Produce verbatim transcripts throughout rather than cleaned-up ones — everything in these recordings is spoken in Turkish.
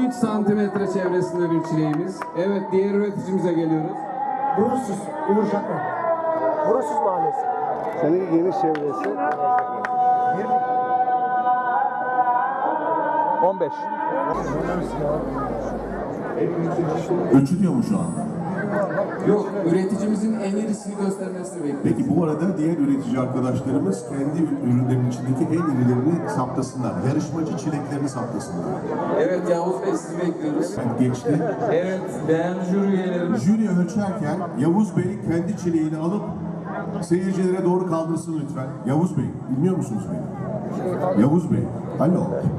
üç santimetre çevresinde bir çileğimiz. Evet, diğer üreticimize geliyoruz. Burusuz, Uğur Şakman. Burusuz Mahallesi. Senin geniş çevresi. on beş. Ölçülüyor mu şu anda? Yok, üreticimizin en irisini göstermesini bekliyoruz. Peki bu arada diğer üretici arkadaşlarımız kendi ürünlerinin içindeki en irilerini saptasınlar. Yarışmacı çileklerini saptasınlar. Evet, Yavuz Bey, sizi bekliyoruz. Ben geçti. Evet, değerli jüri üyelerimiz. Jüri ölçerken Yavuz Bey kendi çileğini alıp seyircilere doğru kaldırsın lütfen. Yavuz Bey, dinliyor musunuz beni? Yavuz Bey, alo.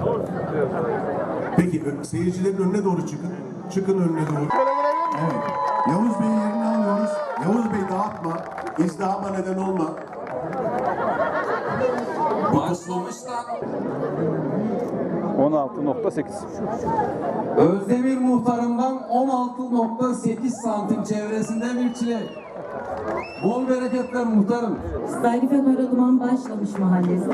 Peki ö- seyircilerin önüne doğru çıkın. Çıkın önüne doğru. Evet. Yavuz Bey'i yerine alıyoruz. Yavuz Bey dağıtma. İzdihama neden olma. Başlamışlar. on altı nokta sekiz. Özdemir muhtarımdan on altı nokta sekiz santim çevresinde bir çilek. Bol bereketler muhtarım. Sayrifen Oraduman Başlamış Mahallesi.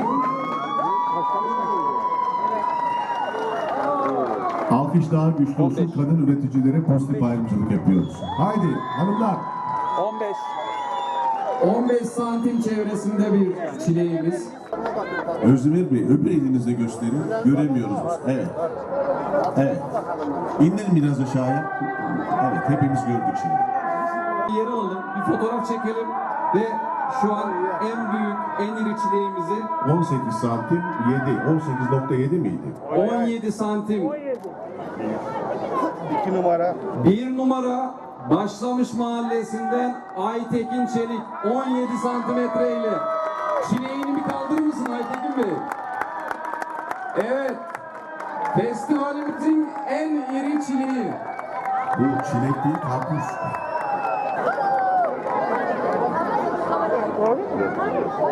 Alkış daha güçlü olsun. Kadın üreticilere pozitif ayrımcılık yapıyoruz. Haydi hanımlar. on beş. on beş santim çevresinde bir çileğimiz. Özdemir Bey, öbür elinize gösterin. Göremiyoruz biz. Evet. Evet. İndirin biraz aşağıya. Evet, hepimiz gördük şimdi. Bir yere alalım, bir fotoğraf çekelim ve şu an en büyük, en iri çileğimizi on sekiz santim yedi. on sekiz nokta yedi miydi? on yedi santim. iki numara. Bir numara Başlamış Mahallesi'nden Aytekin Çelik on yedi santimetre ile. Çileğini bir kaldırır mısın Aytekin Bey? Evet. Festivalimizin en iri çileği. Bu çilek değil, karpuz.